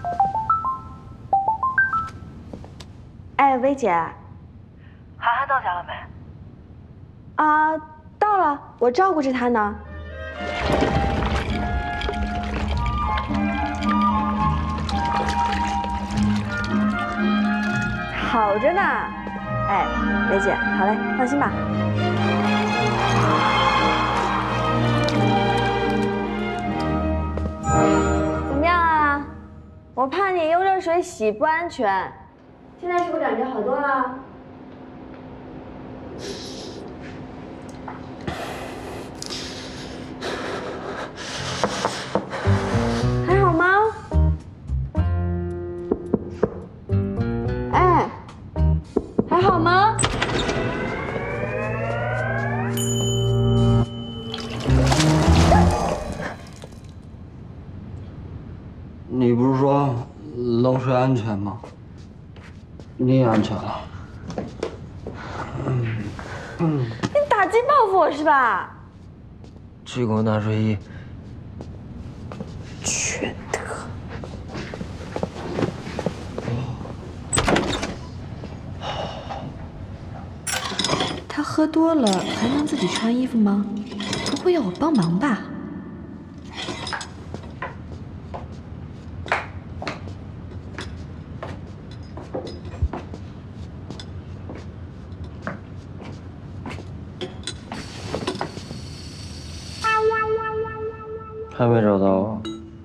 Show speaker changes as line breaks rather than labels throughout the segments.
哎，薇姐，
涵涵到家了没？
啊，到了，我照顾着她呢。好着呢。哎，薇姐，好嘞，放心吧。怎么样啊？我怕你用热水洗不安全。现在是不是感觉好多了？还好吗？哎，还好吗？
你不是说冷水安全吗？你也安全了。
你打击报复我是吧？
这股纳睡衣
缺德！
他喝多了还能自己穿衣服吗？不会要我帮忙吧？
还没找到啊？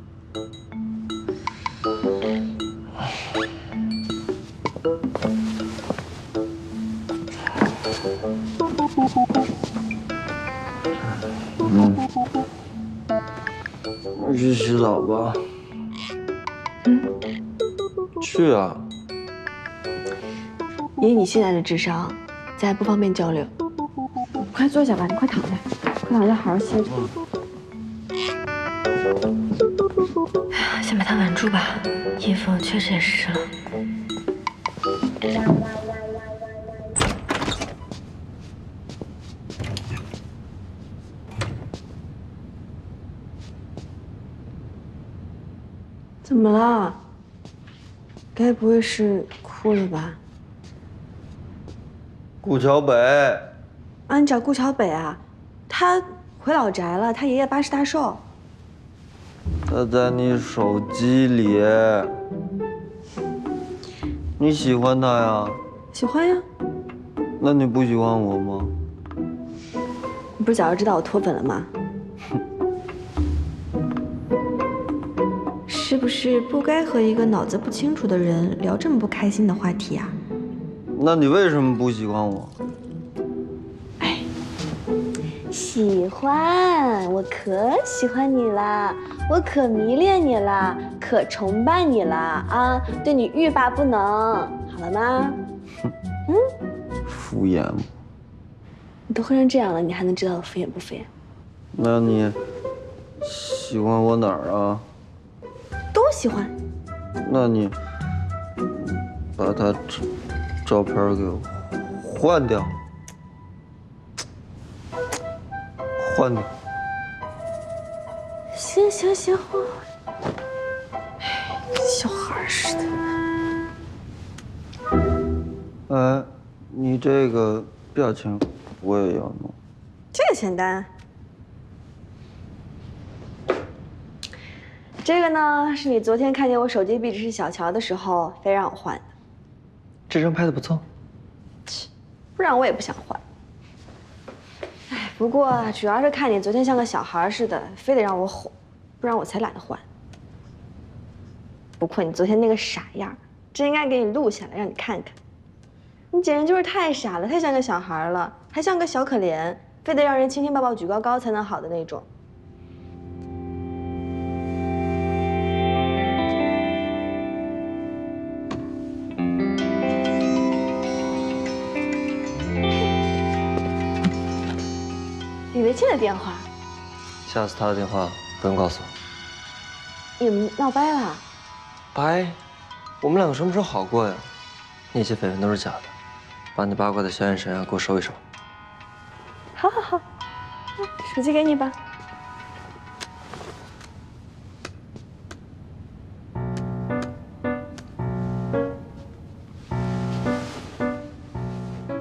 去洗澡吧。去啊！
以你现在的智商，咱还不方便交流。你快坐下吧，你快躺下，快躺下，好好歇着。
先把它稳住吧，衣服确实也湿了。
怎么了？该不会是哭了吧？
顾桥北，
啊，你找顾桥北啊？他回老宅了，他爷爷80大寿。
他在你手机里。你喜欢他呀？
喜欢呀。
那你不喜欢我吗？
你不是早就知道我脱粉了吗？
是不是不该和一个脑子不清楚的人聊这么不开心的话题啊？
那你为什么不喜欢我？
哎，喜欢，我可喜欢你啦，我可迷恋你啦，可崇拜你啦啊，对你欲罢不能，好了吗？
敷衍我。
你都喝成这样了，你还能知道我敷衍不敷衍？
那你喜欢我哪儿啊？
都喜欢。
那你把他照片给我换掉，换掉。
行行行，换。小孩似的。
哎，你这个表情我也要弄。
这个简单。这个呢，是你昨天看见我手机壁纸是小乔的时候，非让我换的。
这张拍的不错。
不然我也不想换。哎，不过主要是看你昨天像个小孩似的，非得让我哄，不然我才懒得换。不过你昨天那个傻样，真应该给你录下来，让你看看。你简直就是太傻了，太像个小孩了，还像个小可怜，非得让人亲亲抱抱举高高才能好的那种。李维庆的电话，
下次他的电话不用告诉我。
你们闹掰了？
掰？我们两个什么时候好过呀？那些绯闻都是假的，把你八卦的小眼神啊给我收一收。
好好好，手机给你吧。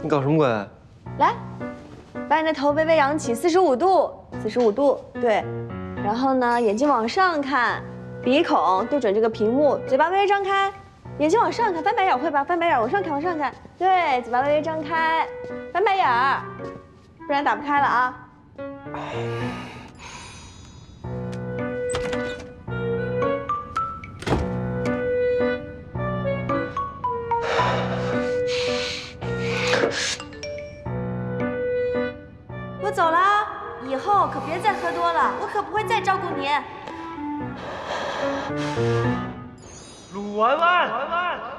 你搞什么鬼？
来，把你的头微微扬起，45度，45度，对。然后呢，眼睛往上看，鼻孔对准这个屏幕，嘴巴微微张开，眼睛往上看，翻白眼会吧？翻白眼，往上看，往上看，对，嘴巴微微张开，翻白眼儿，不然打不开了啊。我走了，以后可别再喝多了，我可不会再照顾你。
鲁婉婉。